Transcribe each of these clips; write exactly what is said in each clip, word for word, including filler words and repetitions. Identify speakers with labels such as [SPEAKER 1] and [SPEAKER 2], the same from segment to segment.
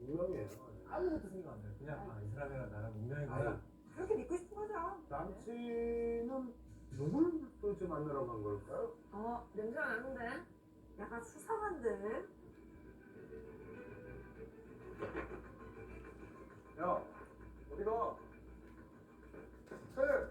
[SPEAKER 1] 운명이에요.
[SPEAKER 2] 아무것도 생각 안 해. 그냥 아, 이 사람이랑 나랑 운명인
[SPEAKER 1] 아니,
[SPEAKER 2] 거야.
[SPEAKER 3] 그렇게 믿고 싶은 거죠.
[SPEAKER 1] 남친은 누굴 도대체 만나러 간 걸까요?
[SPEAKER 3] 어, 냄새가 나는데? 약간 수상한데?
[SPEAKER 1] 야, 어디 가? 셋!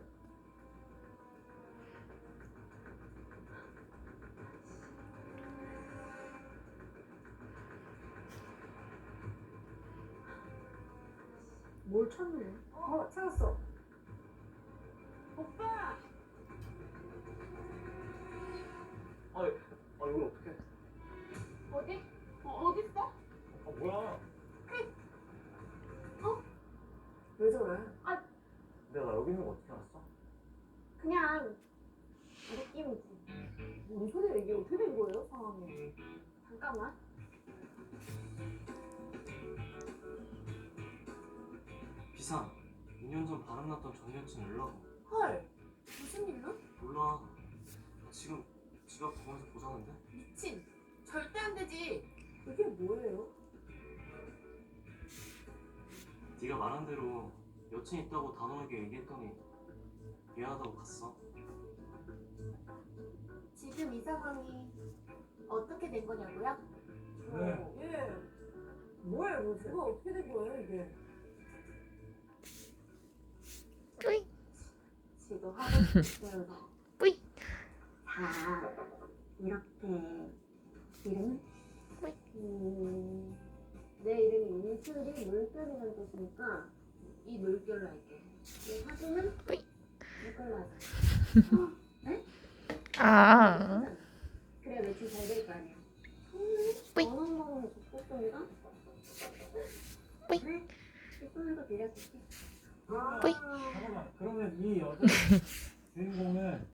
[SPEAKER 3] 뭘 찾네? 어, 찾았어. 오빠!
[SPEAKER 1] 아, 아 이걸 어떻게?
[SPEAKER 3] 어디? 어, 어딨어?
[SPEAKER 1] 아 뭐야?
[SPEAKER 3] 왜 저래?
[SPEAKER 1] 내가 여기 있는 거 어떻게 알았어?
[SPEAKER 3] 그냥 느낌이지. 뭔 소리야 이게 어떻게 된 거예요 상황이? 잠깐만.
[SPEAKER 4] 비상. 이 년 전 바람났던 전 여친 연락 와.
[SPEAKER 3] 헐 무슨 일로?
[SPEAKER 4] 몰라. 나 지금 집 앞 공원에서 보자는데?
[SPEAKER 3] 미친. 절대 안 되지. 그게 뭐예요?
[SPEAKER 4] 네가 말한 대로 여친 있다고 단호하게 얘기했더니 미안하다고 갔어.
[SPEAKER 3] 지금 이 상황이 어떻게 된 거냐고요?
[SPEAKER 2] 네.
[SPEAKER 3] 어, 예. 뭐예요 뭐지? 뭐가 어떻게 된 거예요 이게?
[SPEAKER 5] 뿌이.
[SPEAKER 3] 지도 하고 싶어요.
[SPEAKER 5] 뿌이.
[SPEAKER 3] 자 이렇게 이름은?
[SPEAKER 5] 뿌이.
[SPEAKER 3] 음, 내 이름이 이슬이 물결이라는 뜻이니까 이 물결로 할게. 이 사진은
[SPEAKER 5] 뿌이.
[SPEAKER 3] 이걸로 하자. 어? 네?
[SPEAKER 5] 아.
[SPEAKER 3] 그래 매출 잘 될 거 아니야.
[SPEAKER 5] 뿌이.
[SPEAKER 3] 원한 먹으면 좋겠습니다.
[SPEAKER 5] 뿌이.
[SPEAKER 3] 그래 이걸로 빌려줄게.
[SPEAKER 2] 아,
[SPEAKER 5] 뿌이.
[SPEAKER 2] 잠깐만. 그러면 이 여자 주인공은